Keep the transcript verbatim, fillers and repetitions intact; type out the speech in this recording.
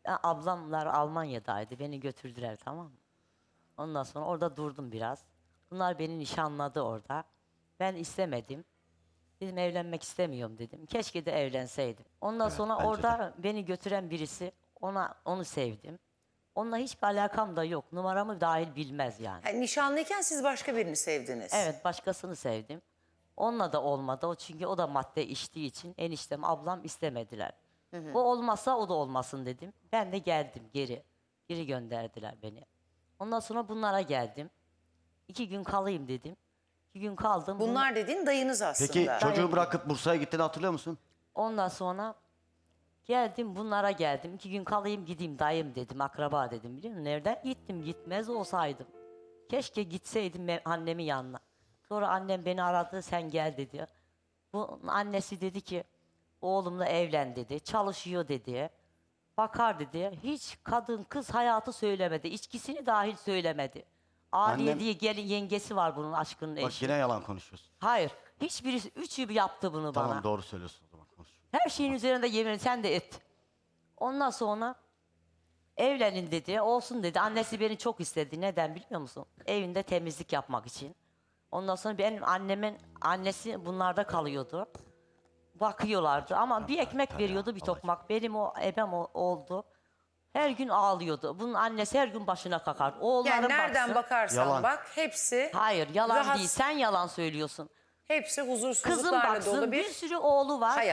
Ya, ablamlar Almanya'daydı. Beni götürdüler, tamam mı? Ondan sonra orada durdum biraz. Bunlar beni nişanladı orada. Ben istemedim. Dedim evlenmek istemiyorum dedim. Keşke de evlenseydim. Ondan Evet, sonra bence orada beni götüren birisi, ona onu sevdim. Onunla hiçbir alakam da yok. Numaramı dahil bilmez yani. Yani nişanlıyken siz başka birini sevdiniz. Evet, başkasını sevdim. Onunla da olmadı. O çünkü o da madde içtiği için eniştem, ablam istemediler. O olmazsa o da olmasın dedim. Ben de geldim geri. Geri gönderdiler beni. Ondan sonra bunlara geldim. İki gün kalayım dedim. İki gün kaldım. Bunlar dediğin dayınız aslında. Peki çocuğu Dayım. bırakıp Bursa'ya gittiğini hatırlıyor musun? Ondan sonra geldim, bunlara geldim. İki gün kalayım gideyim, dayım dedim, akraba dedim, biliyor musun? Nereden gittim, gitmez olsaydım. Keşke gitseydim me- annemin yanına. Sonra annem beni aradı, sen gel dedi. Bu annesi dedi ki oğlumla evlen dedi, çalışıyor dedi. Bakar dedi. Hiç kadın kız hayatı söylemedi. İçkisini dahil söylemedi. Aliye Annem- diye gelin yengesi var bunun, aşkının Bak eşi. yine yalan konuşuyorsun. Hayır. Hiçbirisi, üçü yaptı bunu bana. Tamam, doğru söylüyorsun o zaman, konuş. Her şeyin üzerinde yemin sen de et. Ondan sonra evlenin dedi. Olsun dedi. Annesi beni çok istedi. Neden biliyor musun? Evinde temizlik yapmak için. Ondan sonra benim annemin annesi bunlarda kalıyordu. Bakıyorlardı ama bir ekmek veriyordu, bir tokmak. Benim o ebem o- oldu. Her gün ağlıyordu. Bunun annesi her gün başına kakar. Oğullarım Yani nereden baksın. bakarsan Yalan. bak hepsi Hayır, yalan rahat- değil. Sen yalan söylüyorsun. hepsi Kızım huzursuzluklarla baksın, dolu bir bir sürü oğlu var. hayat.